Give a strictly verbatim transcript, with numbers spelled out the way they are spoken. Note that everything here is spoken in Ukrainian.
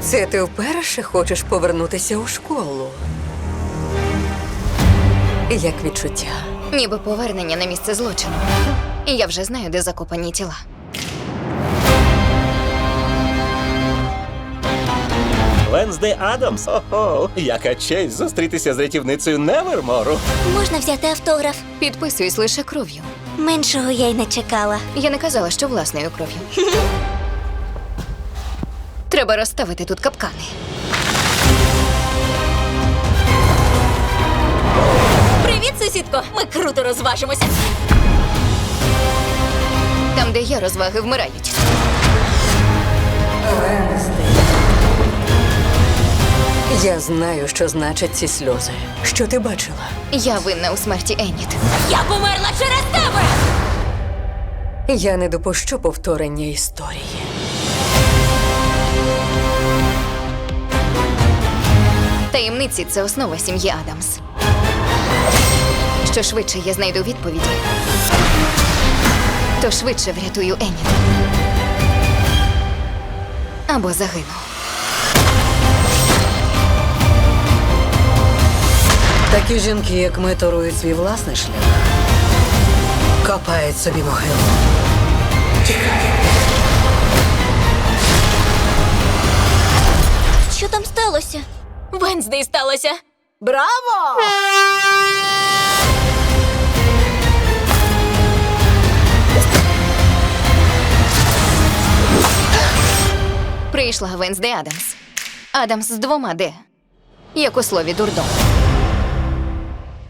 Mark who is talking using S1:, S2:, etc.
S1: Це ти вперше хочеш повернутися у школу? Як відчуття?
S2: Ніби повернення на місце злочину. І я вже знаю, де закопані тіла.
S3: Венсдей Адамс? Ого, яка честь зустрітися з рятівницею Невермору.
S4: Можна взяти автограф?
S2: Підписуюсь лише кров'ю.
S4: Меншого я й не чекала.
S2: Я не казала, що власною кров'ю. Треба розставити тут капкани.
S4: Привіт, сусідко! Ми круто розважимося.
S2: Там, де є розваги, вмирають.
S1: Я знаю, що значать ці сльози. Що ти бачила?
S2: Я винна у смерті Еніт.
S4: Я померла через тебе!
S1: Я не допущу повторення історії.
S2: Таємниці – це основа сім'ї Адамс. Що швидше я знайду відповіді, то швидше врятую Еніт. Або загину.
S1: Такі жінки, як ми, торують свій власний шлях. Копають собі могилу.
S4: Що там сталося? Венсдей сталося.
S1: Браво!
S2: Прийшла Венсдей Адамс. Адамс з двома «Д». Як у слові дурдом.